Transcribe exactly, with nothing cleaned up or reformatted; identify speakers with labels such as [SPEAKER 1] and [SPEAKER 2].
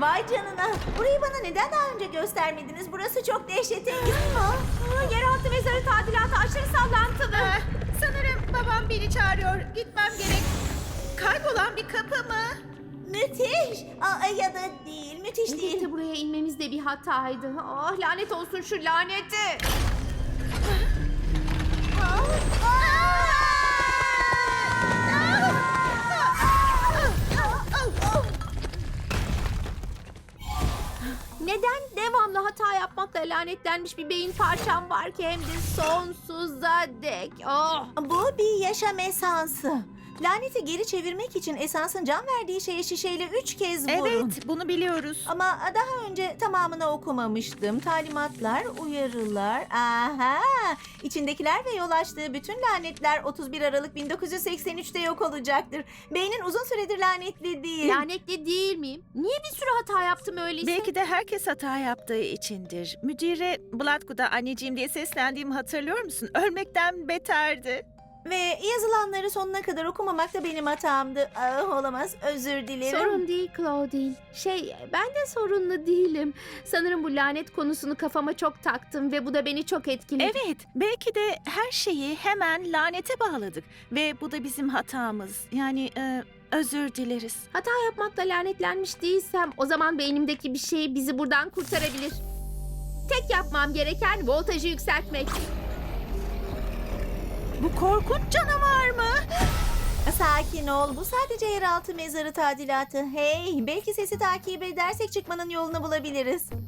[SPEAKER 1] Vay canına. Burayı bana neden daha önce göstermediniz? Burası çok dehşetengiz.
[SPEAKER 2] Yeraltı mezarı tadilatı aşırı sallantılı.
[SPEAKER 3] Ah, sanırım babam beni çağırıyor. Gitmem gerek. Kaybolan bir kapı mı?
[SPEAKER 1] Müthiş. Aa, ya da değil. Müthiş değil.
[SPEAKER 2] Elbette buraya inmemiz de bir hataydı. Ah, lanet olsun şu laneti. Neden devamlı hata yapmakla lanetlenmiş bir beyin parçam var ki hem de sonsuza dek? Oh.
[SPEAKER 1] Bu bir yaşam esansı. Laneti geri çevirmek için esansın can verdiği şeye şişeyle üç kez vurun.
[SPEAKER 3] Evet, bunu biliyoruz.
[SPEAKER 1] Ama daha önce tamamını okumamıştım. Talimatlar, uyarılar. Aha! İçindekiler ve yol açtığı bütün lanetler otuz bir Aralık bin dokuz yüz seksen üçte yok olacaktır. Beynin uzun süredir lanetli değil.
[SPEAKER 2] Lanetli değil miyim? Niye bir sürü hata yaptım öyleyse?
[SPEAKER 3] Belki de herkes hata yaptığı içindir. Müdüre Blatku'da anneciğim diye seslendiğimi hatırlıyor musun? Ölmekten beterdi.
[SPEAKER 1] Ve yazılanları sonuna kadar okumamak da benim hatamdı. Ah, olamaz. Özür dilerim.
[SPEAKER 2] Sorun değil Claudine. Şey, ben de sorunlu değilim. Sanırım bu lanet konusunu kafama çok taktım ve bu da beni çok etkiledi.
[SPEAKER 3] Evet, belki de her şeyi hemen lanete bağladık. Ve bu da bizim hatamız. Yani e, özür dileriz.
[SPEAKER 2] Hata yapmakla lanetlenmiş değilsem o zaman beynimdeki bir şey bizi buradan kurtarabilir. Tek yapmam gereken voltajı yükseltmek.
[SPEAKER 3] Bu korkunç canavar mı?
[SPEAKER 1] Sakin ol. Bu sadece yeraltı mezarı tadilatı. Hey, belki sesi takip edersek çıkmanın yolunu bulabiliriz.